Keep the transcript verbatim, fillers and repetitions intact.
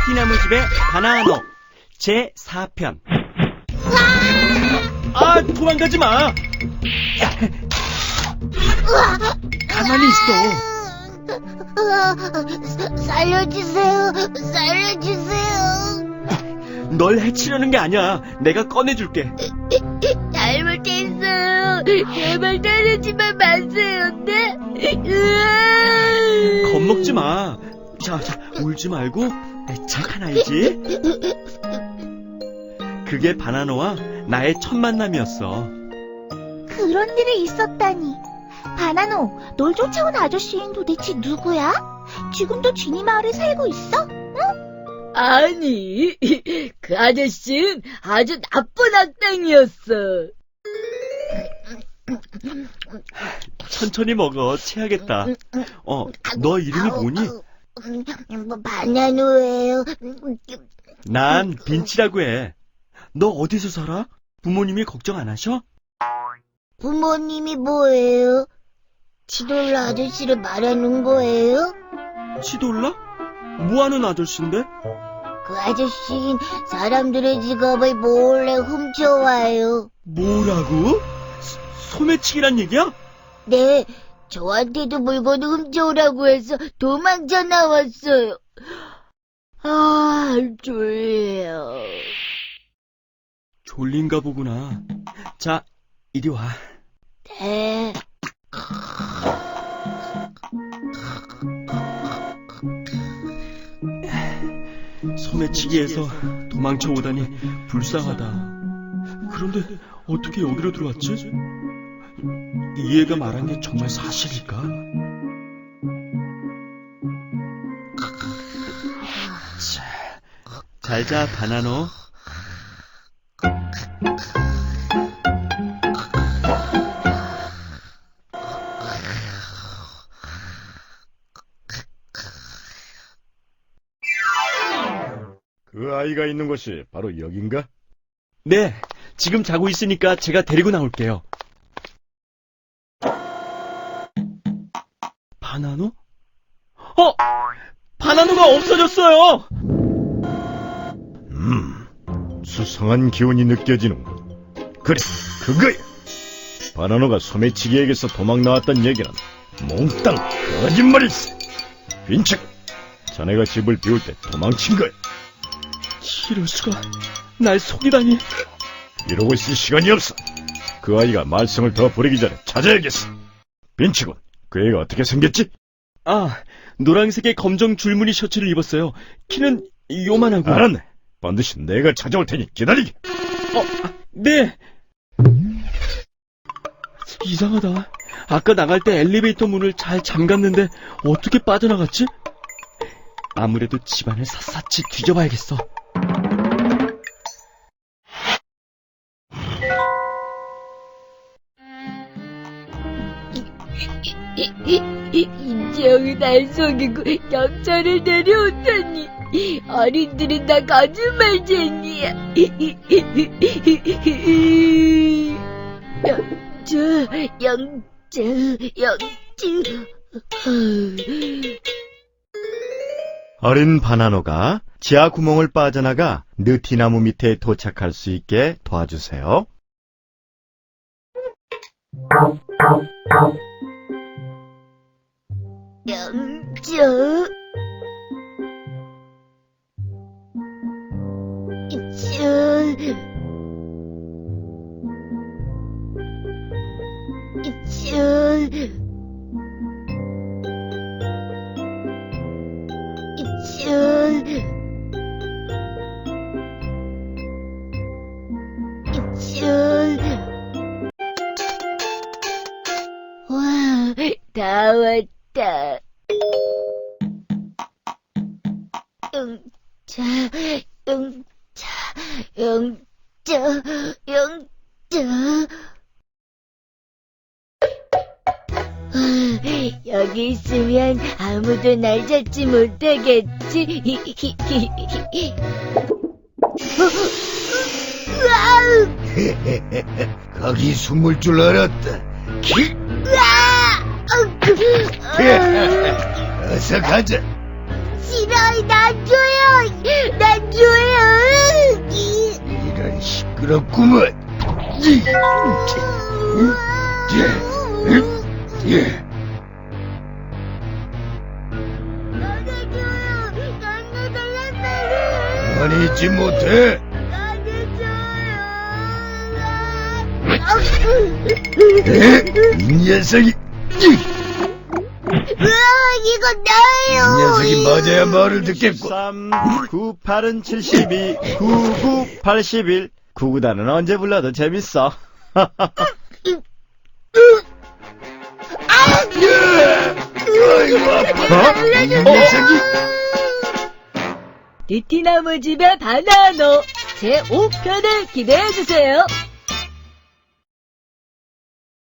느티나무집의 바나노 제사 편. 아, 도망가지 마. 가만히 있어. 살려주세요. 살려주세요. 널 해치려는 게 아니야. 내가 꺼내줄게. 잘못했어요. 제발 때리지만 마세요. 네? 겁먹지 마. 자, 자, 울지 말고 착한 아이지. 그게 바나노와 나의 첫 만남이었어. 그런 일이 있었다니. 바나노, 널 쫓아온 아저씨는 도대체 누구야? 지금도 쥐니 마을에 살고 있어? 아니, 그 아저씨는 아주 나쁜 악당이었어. 천천히 먹어. 체하겠다. 어, 너 이름이 뭐니? 뭐, 바나노예요. 난 빈치라고 해. 너 어디서 살아? 부모님이 걱정 안 하셔? 부모님이 뭐예요? 치돌라 아저씨를 말하는 거예요? 치돌라? 뭐하는 아저씨인데? 그 아저씨는 사람들의 지갑을 몰래 훔쳐와요. 뭐라고? 소- 소매치기란 얘기야? 네, 저한테도 물건을 훔쳐오라고 해서 도망쳐 나왔어요. 아, 졸려. 졸린가 보구나. 자, 이리 와. 네. 소매치기에서 도망쳐 오다니 불쌍하다. 그런데 어떻게 여기로 들어왔지? 이 애가 말한 게 정말 사실일까? 잘자, 바나노. 그 아이가 있는 곳이 바로 여긴가? 네, 지금 자고 있으니까 제가 데리고 나올게요. 바나노? 어! 바나노가 없어졌어요! 음, 수상한 기운이 느껴지는군. 그래, 그거야! 바나노가 소매치기에게서 도망 나왔단 얘기는 몽땅 거짓말일세! 빈책! 자네가 집을 비울 때 도망친 거야! 이럴 수가, 날 속이다니. 이러고 있을 시간이 없어! 그 아이가 말썽을 더 부리기 전에 찾아야겠어! 빈치군, 그 애가 어떻게 생겼지? 아, 노란색의 검정 줄무늬 셔츠를 입었어요. 키는 요만하고. 알았네. 반드시 내가 찾아올 테니 기다리게. 어, 네. 이상하다. 아까 나갈 때 엘리베이터 문을 잘 잠갔는데 어떻게 빠져나갔지? 아무래도 집안을 샅샅이 뒤져봐야겠어. 인지영이 날 속이고 경찰을 데려오다니. 어린들은 다 거짓말쟁이야. 영주, 영주, 영주. 어린 바나노가 지하 구멍을 빠져나가 느티나무 밑에 도착할 수 있게 도와주세요. 영주. 이쭈. 이쭈. 이쭈. 이쭈. 와, 다 왔다. 영자, 영자, 영자, 영자. 여기 있으면 아무도 날 잡지 못하겠지. 거기 숨을 줄 알았다. 키! 어서 가자. 싫어. 싫어요. 난 줘요. 난 줘요. 이런 시끄럽구먼. 이, 예, 예. 나는 줘요. 나는 달랐어요. 아니지 못해. 나는 에? 이 녀석이, 으아, 이건 나예요. 이 녀석이 맞아야 말을 듣겠고. 삼, 구팔은 칠십이, 구구 팔십일. 구구단은 언제 불러도 재밌어. 아이고, 아파. 이 녀석이. 느티나무 집의 바나노 제오 편을 기대해주세요.